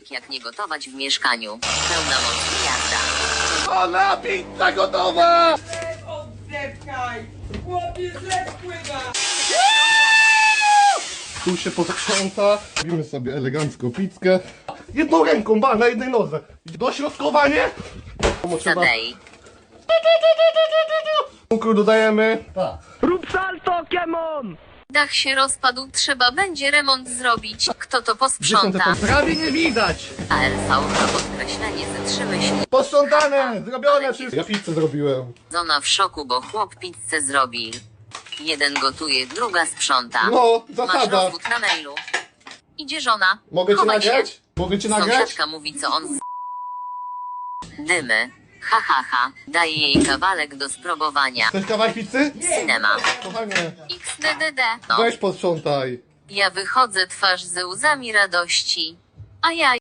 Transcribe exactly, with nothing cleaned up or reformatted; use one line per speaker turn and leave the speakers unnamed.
Filmik jak nie gotować w mieszkaniu. Pełna moc jazda.
Ona pizza gotowa!
Oddepkaj! Chłopie, zlew pływa!
Tu się posprząta. Robimy sobie elegancko pizzkę. Jedną ręką, ba, na jednej nodze. Dośrodkowanie.
Zadej.
Cukru dodajemy. Tak.
Rób salto, Kemon!
Dach się rozpadł, trzeba będzie remont zrobić. Kto to
Dziesiąte
posprząta?
to prawie nie widać.
A L V na podkreślenie ze trzy myśli.
Posprzątane, zrobione wszystko. Ja pizzę zrobiłem.
Zona w szoku, bo chłop pizzę zrobi. Jeden gotuje, druga sprząta.
No,
Masz
zasada.
rozwód na mailu. Idzie żona.
Mogę cię
Chowaj się.
nagrać? Mogę cię nagrać?
Sąsiadka mówi, co on z... Dymy. Ha, ha, ha. Daje jej kawałek do spróbowania.
Chcesz kawałek pizzy?
Cinema.
Kochanie,
X D D D. No.
weź posprzątaj.
Ja wychodzę twarz ze łzami radości. A ja